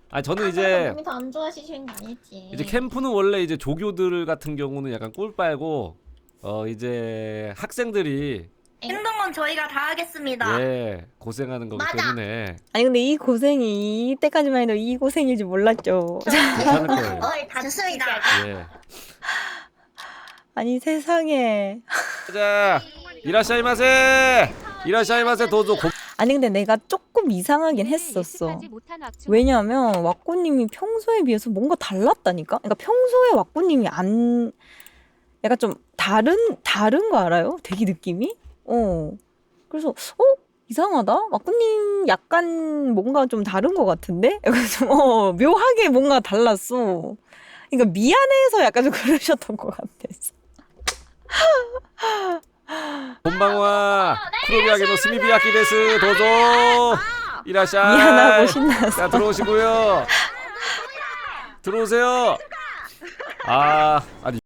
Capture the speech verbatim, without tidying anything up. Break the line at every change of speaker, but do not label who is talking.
아 저는
아,
이제
몸이 더 안 좋아지시는 게 아니지.
이제 캠프는 원래 이제 조교들 같은 경우는 약간 꿀 빨고 어 이제 학생들이
힘든 건 저희가 다 하겠습니다.
예 고생하는 거기
맞아.
때문에
아니 근데 이 고생이 이때까지만 해도 이 고생일 줄 몰랐죠.
괜찮을 거예요.
어이 다
좋습니다.
예.
아니 세상에.
자, 이라샤이마세. 이라샤이마세 도저 고...
아니 근데 내가 조금 이상하긴 했었어. 왜냐면 왁구님이 평소에 비해서 뭔가 달랐다니까? 그러니까 평소에 왁구님이 안 약간 좀 다른 다른 거 알아요? 되게 느낌이? 어. 그래서 어? 이상하다? 왁구님 약간 뭔가 좀 다른 거 같은데? 약간 좀 어, 묘하게 뭔가 달랐어. 그러니까 미안해서 약간 좀 그러셨던 것 같았어.
본방와 크로비아게노 스미비아키 데스 도저. 이라샤이.
미안하고 신났어.
자 들어오시고요. 들어오세요. 아 아니.